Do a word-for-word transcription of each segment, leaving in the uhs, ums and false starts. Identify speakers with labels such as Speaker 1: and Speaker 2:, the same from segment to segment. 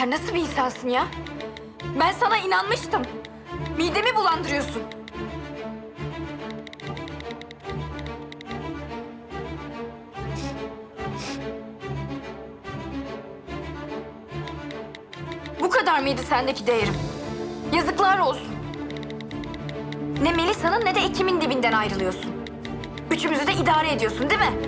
Speaker 1: Sen nasıl bir insansın ya? Ben sana inanmıştım. Midemi bulandırıyorsun. Bu kadar mıydı sendeki değerim? Yazıklar olsun. Ne Melisa'nın ne de Ekim'in dibinden ayrılıyorsun. Üçümüzü de idare ediyorsun değil mi?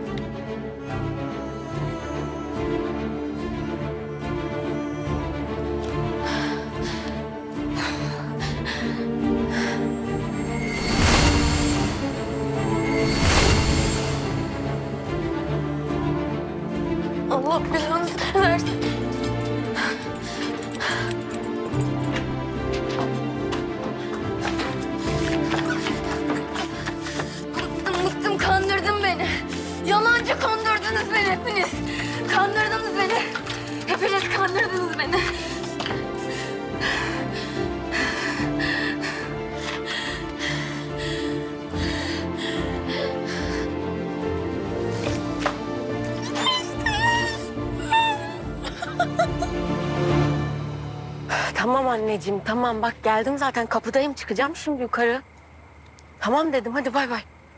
Speaker 1: Allah belanı versin. Bıktım bıktım, kandırdın beni. Yalancı kandırdınız beni hepiniz. Kandırdınız beni. Hepiniz kandırdınız beni.
Speaker 2: Tamam anneciğim, tamam. Bak geldim zaten. Kapıdayım. Çıkacağım şimdi yukarı. Tamam dedim. Hadi bay bay.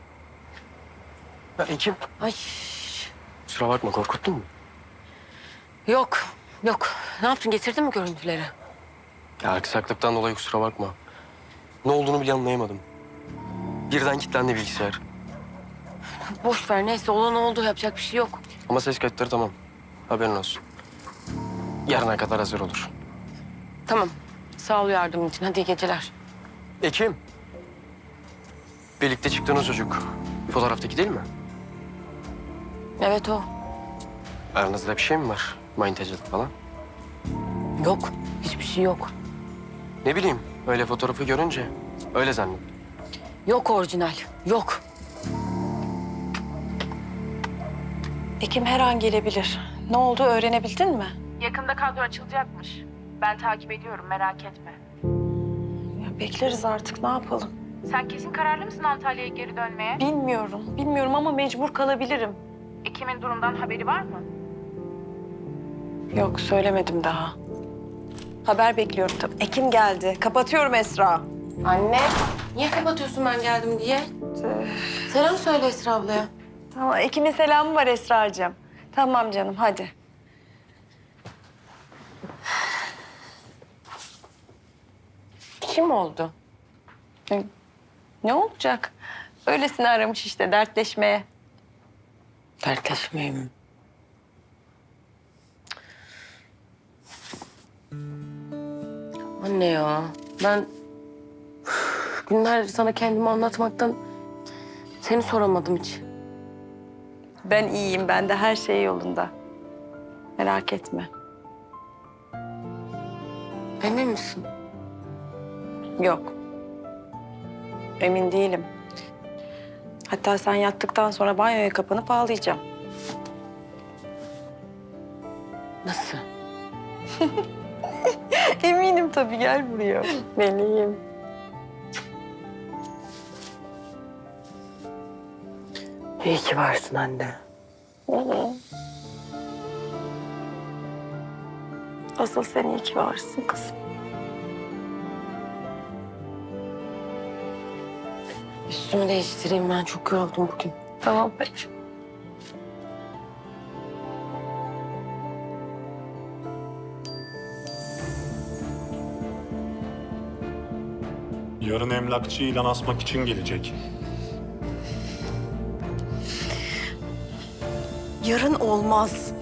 Speaker 3: Ya Ekim,
Speaker 2: Ay
Speaker 3: kusura bakma korkuttun mu?
Speaker 2: yok, yok. Ne yaptın? Getirdin mi görüntüleri?
Speaker 3: Ya aksaklıktan dolayı kusura bakma. Ne olduğunu bile anlayamadım. Birden kilitlendi bilgisayar.
Speaker 2: Boş ver. Neyse olan oldu. Yapacak bir şey yok.
Speaker 3: Ama ses kayıtları tamam. Haberin olsun. Yarına kadar hazır olur.
Speaker 2: Tamam. Sağ ol yardımın için. Hadi iyi geceler.
Speaker 3: Ekim. Birlikte çıktığınız çocuk. Fotoğraftaki değil mi?
Speaker 2: Evet o.
Speaker 3: Aranızda bir şey mi var? Manyetacılık falan.
Speaker 2: Yok. Hiçbir şey yok.
Speaker 3: Ne bileyim, öyle fotoğrafı görünce öyle zannettim.
Speaker 2: Yok orijinal. Yok.
Speaker 4: Ekim her an gelebilir. Ne oldu öğrenebildin mi?
Speaker 5: Yakında kadro açılacakmış. Ben takip ediyorum, merak etme.
Speaker 4: Ya bekleriz artık, ne yapalım?
Speaker 5: Sen kesin kararlı mısın Antalya'ya geri dönmeye?
Speaker 4: Bilmiyorum, bilmiyorum ama mecbur kalabilirim.
Speaker 5: Ekim'in durumdan haberi var mı?
Speaker 4: Yok, söylemedim daha. Haber bekliyorum tabii. Ekim geldi. Kapatıyorum Esra.
Speaker 2: Anne. Niye kapatıyorsun ben geldim diye? Selam söyle Esra ablaya.
Speaker 4: Tamam, Ekim'in selamı var Esra'cığım. Tamam canım, hadi.
Speaker 2: Kim oldu?
Speaker 4: E, Ne olacak? Öylesine aramış işte, dertleşmeye.
Speaker 2: Dertleşmeyeyim. Anne ya, ben üf, günlerdir sana kendimi anlatmaktan seni soramadım hiç.
Speaker 4: Ben iyiyim, ben de her şey yolunda. Merak etme.
Speaker 2: Emin misin?
Speaker 4: Yok. Emin değilim. Hatta sen yattıktan sonra banyoya kapanıp ağlayacağım.
Speaker 2: Nasıl?
Speaker 4: Eminim tabii, gel buraya. Meleğim.
Speaker 2: İyi ki varsın anne.
Speaker 4: Asıl sen iyi ki varsın kızım.
Speaker 2: Üstümü değiştireyim, ben çok yoruldum bugün.
Speaker 4: Tamam peki.
Speaker 6: Yarın emlakçı ilan asmak için gelecek.
Speaker 4: Yarın olmaz.